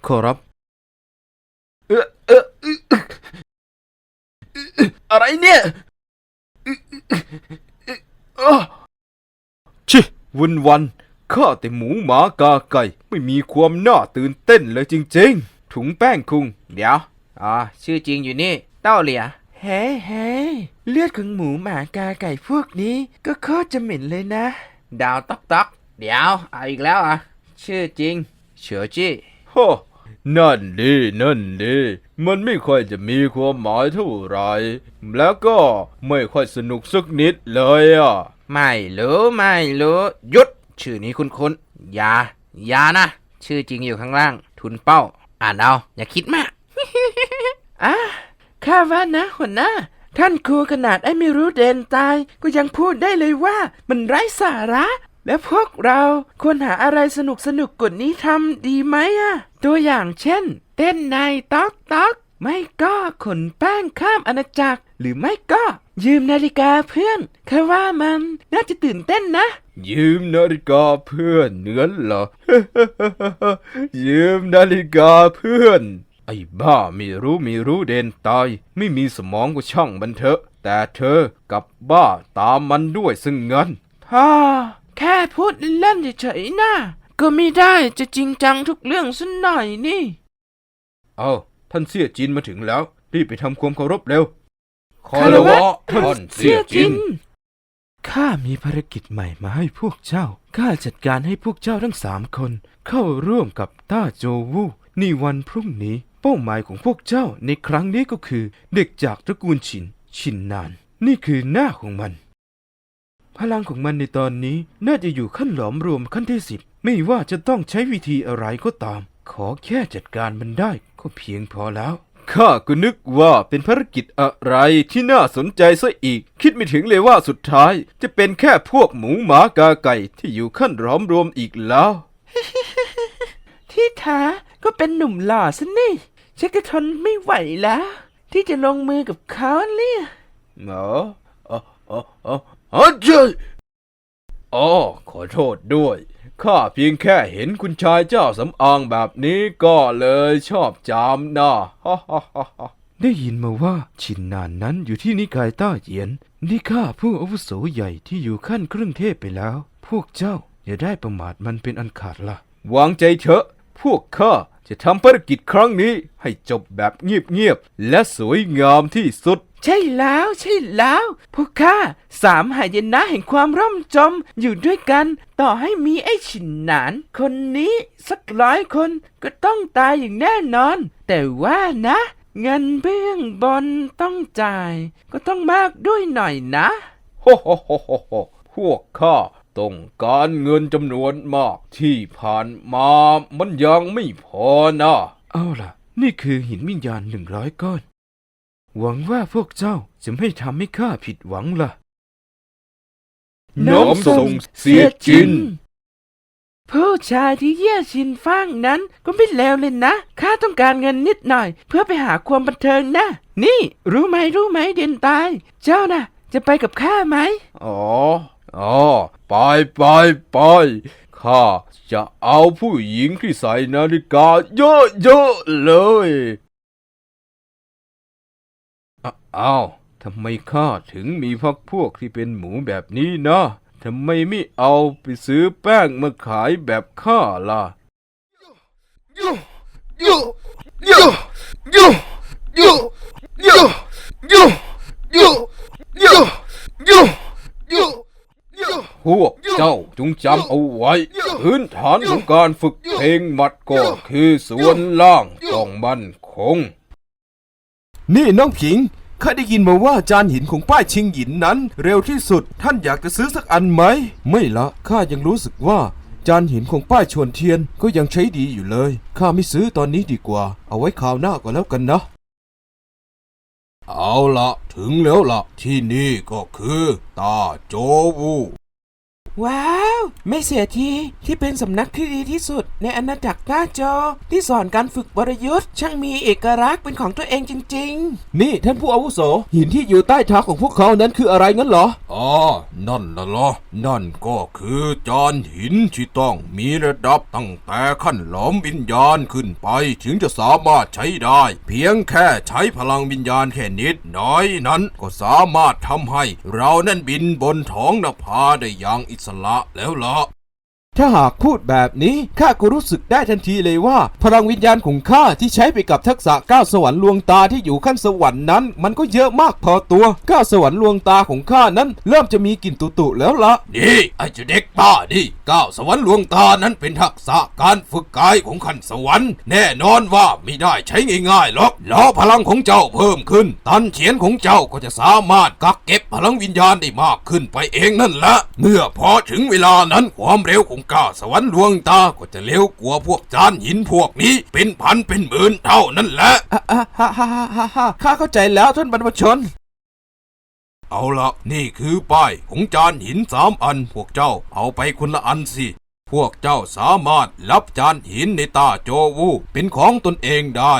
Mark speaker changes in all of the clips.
Speaker 1: ขอรับอะไรเนี่ยชิวันข้าแต่หมูหมากาไก่ไม่มีความน่าตื่นเต้นเลยจริงๆถุงแป้งคุงเดี๋ยวชื่อจริงอยู่นี่เต้าเหลียเฮ้เลือดของหมูหมากาไก่พวกนี้ก็โคตรจะเหม็นเลยนะดาวต๊อกเดี๋ยวเอาอีกแล้วชื่อจริงเฉียวจี้โฮนั่นดีมันไม่ค่อยจะมีความหมายเท่าไหร่แล้วก็ไม่ค่อยสนุกสักนิดเลยไม่รู้หยุดชื่อนี้คุ้นอย่านะชื่อจริงอยู่ข้างล่างทุนเป้าอ่านเอาอย่าคิดมากข้าว่านะหัวหน้าท่านครูขนาดไอ้ไม่รู้เด่นตายก็ยังพูดได้เลยว่ามันไร้สาระและพวกเราควรหาอะไรสนุกกว่านี้ทำดีไหมตัวอย่างเช่นเต้นในต๊อกไม่ก็ขนแป้งข้ามอาณาจักรหรือไม่ก็ยืมนาฬิกาเพื่อนข้าว่ามันน่าจะตื่นเต้นนะยืมนาฬิกาเพื่อนเนื้อเหรอ ยืมนาฬิกาเพื่อนไอ้บ้าไม่รู้เด่นตายไม่มีสมองก็ช่างมันเถอะแต่เธอกับบ้าตามมันด้วยซึ่งเงินแค่พูดเล่นๆเฉยๆนะก็ไม่ได้จะจริงจังทุกเรื่องซะหน่อยนี่ท่านเสี่ยจินมาถึงแล้วรีบไปทำความเคารพเร็วคารวะท่านเสี่ยจินข้ามีภารกิจใหม่มาให้พวกเจ้าข้าจัดการให้พวกเจ้าทั้ง3 คนเข้าร่วมกับต้าโจวูในวันพรุ่งนี้เป้าหมายของพวกเจ้าในครั้งนี้ก็คือเด็กจากตระกูลชินนานนี่คือหน้าของมันพลังของมันในตอนนี้น่าจะอยู่ขั้นหลอมรวมขั้นที่10ไม่ว่าจะต้องใช้วิธีอะไรก็ตามขอแค่จัดการมันได้ก็เพียงพอแล้วข้าก็นึกว่าเป็นภารกิจอะไรที่น่าสนใจซะอีกคิดไม่ถึงเลยว่าสุดท้ายจะเป็นแค่พวกหมูหมากาไก่ที่อยู่ขั้นหลอมรวมอีกแล้ว ที่แท้ก็เป็นหนุ่มหล่อซะนี่ฉันก็ทนไม่ไหวแล้วที่จะลงมือกับเขาเนี่ยขอโทษด้วยข้าเพียงแค่เห็นคุณชายเจ้าสำอางแบบนี้ก็เลยชอบจามนะได้ยินมาว่าชินนานนั้นอยู่ที่นิกายต้าเหยียนนี่ข้าผู้อาวุโสใหญ่ที่อยู่ขั้นครึ่งเทพไปแล้วพวกเจ้าอย่าได้ประมาทมันเป็นอันขาดล่ะวางใจเถอะพวกข้าจะทำภารกิจครั้งนี้ให้จบแบบเงียบๆและสวยงามที่สุดใช่แล้วพวกข้า3 หายนะแห่งความร่มจมอยู่ด้วยกันต่อให้มีไอ้ฉินหนานคนนี้สัก100 คนก็ต้องตายอย่างแน่นอนแต่ว่านะเงินเบื้องบนต้องจ่ายก็ต้องมากด้วยหน่อยนะโฮพวกข้าต้องการเงินจำนวนมากที่ผ่านมามันยังไม่พอนะเอาล่ะนี่คือหินวิญญาณ100 ก้อนหวังว่าพวกเจ้าจะไม่ทำให้ข้าผิดหวังล่ะน้อมส่งเสียจินผู้ชายที่เยี่ยชินฟ้างนั้นก็ไม่เลวเลยนะข้าต้องการเงินนิดหน่อยเพื่อไปหาความบันเทิงนะนี่รู้ไหมเด่นตายเจ้าน่ะจะไปกับข้าไหมไปข้าจะเอาผู้หญิงที่ใส่นาฬิกาเยอะเลยทำไมข้าถึงมีพรรคพวกที่เป็นหมูแบบนี้นะทำไมไม่เอาไปซื้อแป้งมาขายแบบข้าล่ะพวกเจ้าจงจำเอาไว้พื้นฐานของการฝึกเพลงหมัดก็คือส่วนล่างต้องมั่นคง
Speaker 2: นี่น้องผิงข้าได้ยินมาว่าจานหินของป้ายชิงหยินนั้นเร็วที่สุดท่านอยากจะซื้อสักอันไหมไม่ละข้ายังรู้สึกว่าจานหินของป้ายชวนเทียนก็ยังใช้ดีอยู่เลยข้าไม่ซื้อตอนนี้ดีกว่าเอาไว้คราวหน้าก็แล้วกันนะเอาละถึงแล้วละที่นี่ก็คือตาโจวู
Speaker 1: ว้าว ไม่เสียทีที่เป็นสำนักที่ดีที่สุดในอาณาจักรหน้าจอที่สอนการฝึกวรยุทธ์ช่างมีเอกลักษณ์เป็นของตัวเองจริงๆ
Speaker 2: นี่ท่านผู้อาวุโสหินที่อยู่ใต้เท้าของพวกเขานั้นคืออะไรงั้นเหรออ๋อนั่นน่ะเหรอนั่นก็คือจานหินที่ต้องมีระดับตั้งแต่ขั้นหลอมวิญญาณขึ้นไปถึงจะสามารถใช้ได้เพียงแค่ใช้พลังวิญญาณแค่นิดน้อยนั้นก็สามารถทำให้เรานั้นบินบนท้องนภาได้อย่างอิสระแล้วล่ะถ้าหากพูดแบบนี้ข้าก็รู้สึกได้ทันทีเลยว่าพลังวิญญาณของข้าที่ใช้ไปกับทักษะก้าวสวรรค์ลวงตาที่อยู่ขั้นสวรรค์นั้นมันก็เยอะมากพอตัวก้าวสวรรค์ลวงตาของข้านั้นเริ่มจะมีกลิ่นตุๆแล้วละนี่ไอ้เจ้าเด็กบ้านี่ก้าวสวรรค์ลวงตานั้นเป็นทักษะการฝึกกายของขั้นสวรรค์แน่นอนว่าไม่ได้ใช้ง่ายๆหรอกแล้วพลังของเจ้าเพิ่มขึ้นตันเฉียนของเจ้าก็จะสามารถกักเก็บพลังวิญญาณได้มากขึ้นไปเองนั่นแหละเมื่อพอถึงเวลานั้นความเร็วของก้าวสวรรค์ลวงตาก็จะเร็วกว่าพวกจานหินพวกนี้เป็นพันเป็นหมื่นเท่านั้นแหละข้าเข้าใจแล้วท่านบรรพชนเอาละนี่คือป้ายของจานหิน3 อันพวกเจ้าเอาไปคนละอันสิพวกเจ้าสามารถรับจานหินในตาโจวูเป็นของตนเองได้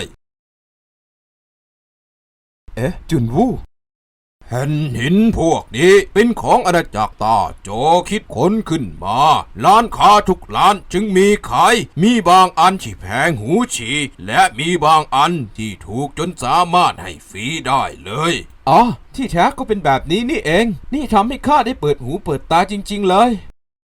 Speaker 2: จุนวูแผ่นหินพวกนี้เป็นของอาณาจักรตาโจคิดค้นขึ้นมาร้านค้าทุกร้านจึงมีขายมีบางอันที่แพงหูฉี่และมีบางอันที่ถูกจนสามารถให้ฟรีได้เลยอ๋อที่แท้ก็เป็นแบบนี้นี่เองนี่ทำให้ข้าได้เปิดหูเปิดตาจริงๆเลย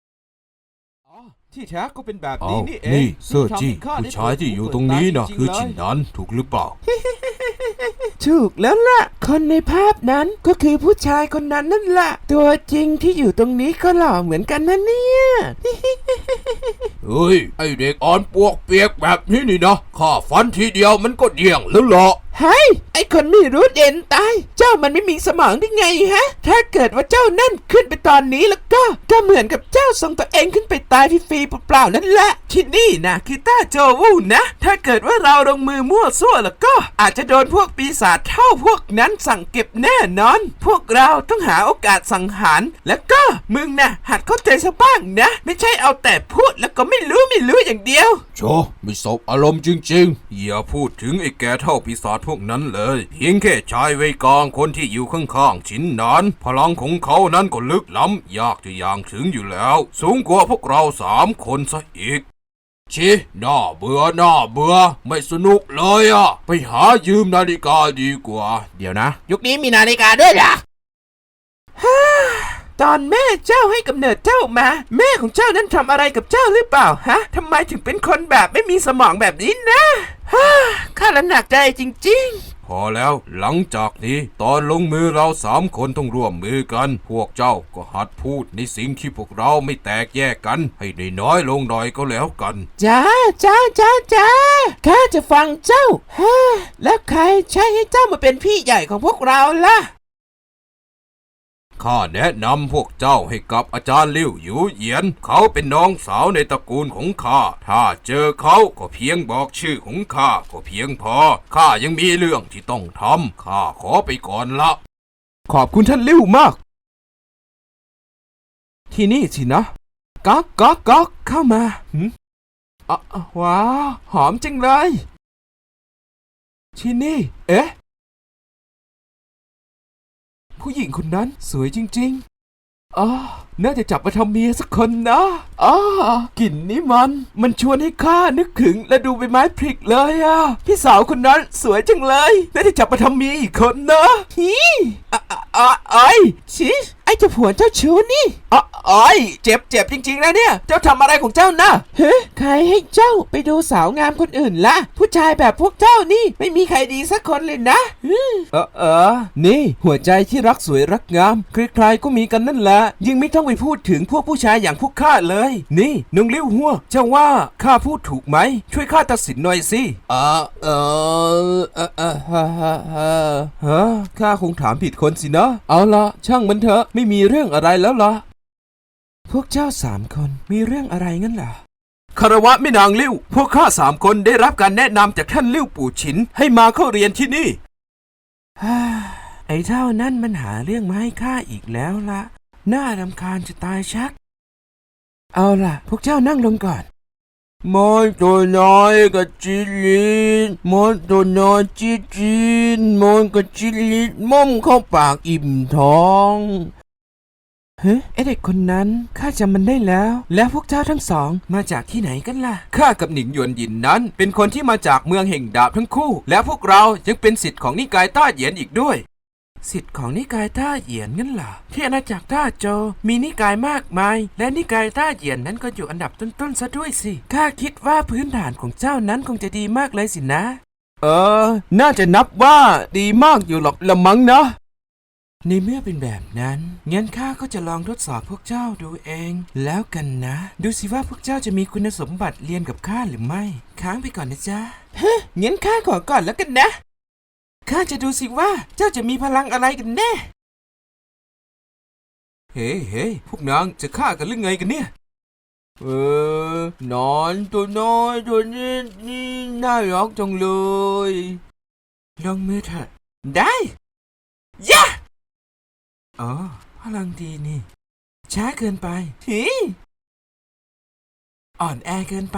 Speaker 2: ที่แท้ก็เป็นแบบนี้นี่เองนี่เซอร์จี้ผู้ชายที่อยู่ตรงนี้นะคือชินนั้นถูกหรือเปล่า
Speaker 1: ถูกแล้วล่ะคนในภาพนั้นก็คือผู้ชายคนนั้นนั่นแหละตัวจริงที่อยู่ตรงนี้ก็หล่อเหมือนกันนะเนี่ย
Speaker 2: เฮ้ยไอเด็กอ่อนปวกเปียกแบบนี้นี่นะข้าฟันทีเดียวมันก็เดี่ยงแล้วหรอ
Speaker 1: เฮ้ยไอคนไม่รู้เด่นตายเจ้ามันไม่มีสมองได้ไงฮะถ้าเกิดว่าเจ้านั่นขึ้นไปตอนนี้แล้วก็เหมือนกับเจ้าส่งตัวเองขึ้นไปตายฟรีๆเปล่าๆนั่นแหละที่นี่นะคือต้าโจวูนะถ้าเกิดว่าเราลงมือมั่วซั่วแล้วก็อาจจะโดนพวกปีศาจเท่าพวกนั้นสั่งเก็บแน่นอนพวกเราต้องหาโอกาสสังหารแล้วก็มึงนะหัดเข้าใจซะบ้างนะไม่ใช่เอาแต่พูดแล้วก็ไม่รู้อย่างเดียว
Speaker 2: โชไม่สบอารมณ์จริงๆอย่าพูดถึงไอ้แกเท่าปีศาจพวกนั้นเลยเพียงแค่ชายไว้กลางคนที่อยู่ข้างๆชิ้นนั้นพลังของเขานั้นก็ลึกล้ำยากจะอย่างถึงอยู่แล้วสูงกว่าพวกเรา3 คนซะอีกชิน่าเบื่อไม่สนุกเลยอ่ะไปหายืมนาฬิกาดีกว่าเดี๋ยวนะ
Speaker 1: ยุคนี้มีนาฬิกาด้วยเหรอตอนแม่เจ้าให้กำเนิดเจ้ามาแม่ของเจ้านั้นทำอะไรกับเจ้าหรือเปล่าฮะทำไมถึงเป็นคนแบบไม่มีสมองแบบนี้นะข้าละหนักใจจริงๆ
Speaker 2: พอแล้วหลังจากนี้ตอนลงมือเรา3 คนต้องร่วมมือกันพวกเจ้าก็หัดพูดในสิ่งที่พวกเราไม่แตกแยกกันให้ได้น้อยลงหน่อยก็แล้วกัน
Speaker 1: จ้าข้าจะฟังเจ้าแล้วใครใช้ให้เจ้ามาเป็นพี่ใหญ่ของพวกเราล่ะ
Speaker 2: ข้าแนะนำพวกเจ้าให้กับอาจารย์ลิ่วหยูเหยียนเขาเป็นน้องสาวในตระกูลของข้าถ้าเจอเขาก็เพียงบอกชื่อของข้าก็เพียงพอข้ายังมีเรื่องที่ต้องทำข้าขอไปก่อนละขอบคุณท่านลิ่วมากที่นี่สินะก๊อกเข้ามาว้าวหอมจังเลยที่นี่ผู้หญิงคนนั้นสวยจริงๆน่าจะจับมาทำเมียสักคนนะกลิ่นนี้มันชวนให้ข้านึกถึงและดูใบไม้พลิกเลยพี่สาวคนนั้นสวยจังเลยน่าจะจับมาทำเมียอีกคนนะชิไอ้เจ้าผัวเจ้าชู้นี่เจ็บจริงๆนะเนี่ยเจ้าทำอะไรของเจ้านะใครให้เจ้าไปดูสาวงามคนอื่นล่ะผู้ชายแบบพวกเจ้านี่ไม่มีใครดีสักคนเลยนะนี่หัวใจที่รักสวยรักงามใครๆก็มีกันนั่นแหละยิ่งไม่ต้องไปพูดถึงพวกผู้ชายอย่างพวกข้าเลยนี่น้องเลี้ยวหัวเจ้าว่าข้าพูดถูกไหมช่วยข้าตัดสินหน่อยสิข้าคงถามผิดคนสินะเอาละช่างมันเถอะไม่มีเรื่องอะไรแล้วล่ะพวกเจ้า3 คนมีเรื่องอะไรงั้นล่ะคารวะแม่นางลิ่วพวกข้า3 คนได้รับการแนะนำจากท่านลิ่วปู่ฉินให้มาเข้าเรียนที่นี่ไอ้เท่านั้นมันหาเรื่องมาให้ข้าอีกแล้วล่ะน่ารำคาญจะตายชัก
Speaker 1: เอาล่ะ พวกเจ้านั่งลงก่อน
Speaker 2: มอนตัวน้อยกับจิลินมอนตัวน้อยจีนมอนกับจิลินม่อมเข้าปากอิ่มท้อง
Speaker 1: เฮ้ไอเด็กคนนั้นข้าจำมันได้แล้ว แล้วพวกเจ้าทั้งสองมาจากที่ไหนกันล่ะ
Speaker 2: ข้ากับหนิงหยวนหยินนั้นเป็นคนที่มาจากเมืองแห่งดาบทั้งคู่ และพวกเรายังเป็นศิษย์ของนิกายต้าเหยียนอีกด้วย
Speaker 1: สิทธิ์ของนิกายต้าเหยียนงั้นเหรอที่อาณาจักรต้าโจวมีนิกายมากมาย และนิกายต้าเหยียนนั้นก็อยู่อันดับต้นๆซะด้วยสิข้าคิดว่าพื้นฐานของเจ้านั้นคงจะดีมากเลยสินะ
Speaker 2: น่าจะนับว่าดีมากอยู่หรอกละมั้งนะ
Speaker 1: ในเมื่อเป็นแบบนั้นงั้นข้าก็จะลองทดสอบพวกเจ้าดูเอง แล้วกันนะ ดูสิว่าพวกเจ้าจะมีคุณสมบัติเรียนกับข้าหรือไม่ ค้างไปก่อนนะจ๊ะงั้นข้าขอก่อนแล้วกันนะข้าจะดูสิว่าเจ้าจะมีพลังอะไรกันแน่
Speaker 2: เฮ้พวกนางจะฆ่ากันหรือไงกันเนี่ย นอนตัวน้อยตัวนี้นี่น่ารักจังเลย
Speaker 1: ลงมือเถอะได้ยะอ๋อพลังดีนี่ช้าเกินไปฮีอ่อนแอเกินไป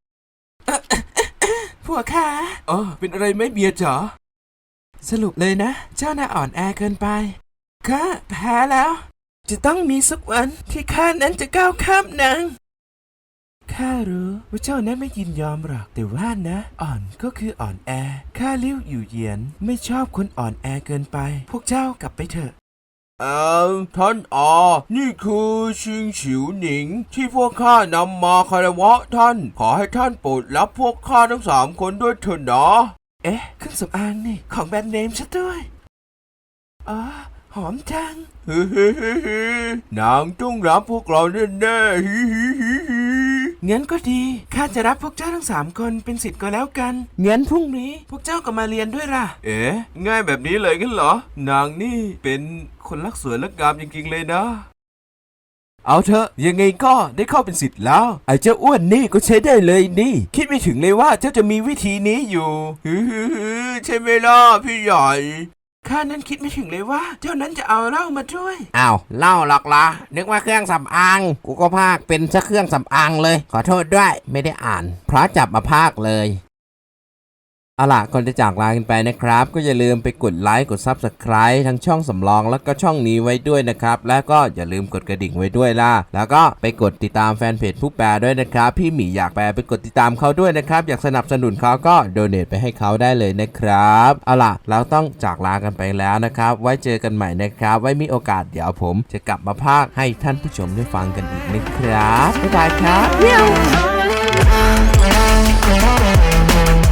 Speaker 1: พวกข้า
Speaker 2: เป็นอะไรไหมเมียจ๋า
Speaker 1: สรุปเลยนะ เจ้าน่าอ่อนแอเกินไปข้าแพ้แล้ว จะต้องมีสักวันที่ข้านั้นจะก้าวข้ามนางข้ารู้ว่าเจ้านั้นไม่ยินยอมหรอกแต่ว่านะ อ่อนก็คืออ่อนแอข้าเลี้ยวอยู่เหยียนไม่ชอบคนอ่อนแอเกินไป พวกเจ้ากลับไปเถอะ
Speaker 2: ท่านนี่คือชิงฉิวหนิงที่พวกข้านำมาคารวะท่าน ขอให้ท่านโปรดรับพวกข้าทั้ง3 คนด้วยเถิดนะ
Speaker 1: เอ๊ะเครื่องสำอางนี่ของแบรนด์เนมซะด้วยอ๋อหอมจัง
Speaker 2: นางต้องรับพวกเราแน่ๆ
Speaker 1: งั้นก็ดีข้าจะรับพวกเจ้าทั้ง3 คนเป็นศิษย์ก็แล้วกันงั้นพรุ่งนี้พวกเจ้าก็มาเรียนด้วยล่ะ
Speaker 2: ง่ายแบบนี้เลยกันเหรอ นางนี่เป็นคนรักสวยรักงามจริงๆเลยนะ เอาเถอะยังไงก็ได้เข้าเป็นศิษย์แล้ว ไอ้เจ้าอ้วนนี่ก็ใช้ได้เลยนี่ คิดไม่ถึงเลยว่าเจ้าจะมีวิธีนี้อยู่ใช่ไหมล่ะพี่ใหญ่
Speaker 1: ข้านั้นคิดไม่ถึงเลยว่าเจ้านั้นจะเอาเหล้ามาด้วย
Speaker 3: อ้าวเล่าหรอกละนึกว่าเครื่องสำอางกูก็พากเป็นซะเครื่องสำอางเลยขอโทษด้วยไม่ได้อ่านพระจับมาพากเลยเอาล่ะก่อนจะจากลากันไปนะครับก็อย่าลืมไปกดไลค์กด Subscribe ทั้งช่องสำรองแล้วก็ช่องนี้ไว้ด้วยนะครับแล้วก็อย่าลืมกดกระดิ่งไว้ด้วยล่ะแล้วก็ไปกดติดตามแฟนเพจผู้แปลด้วยนะครับพี่หมีอยากแปลไปกดติดตามเขาด้วยนะครับอยากสนับสนุนเขาก็โดเนทไปให้เขาได้เลยนะครับเอาล่ะเราต้องจากลากันไปแล้วนะครับไว้เจอกันใหม่นะครับไว้มีโอกาสเดี๋ยวผมจะกลับมาพากย์ให้ท่านผู้ชมได้ฟังกันอีกนะครับบ๊ายบายครับ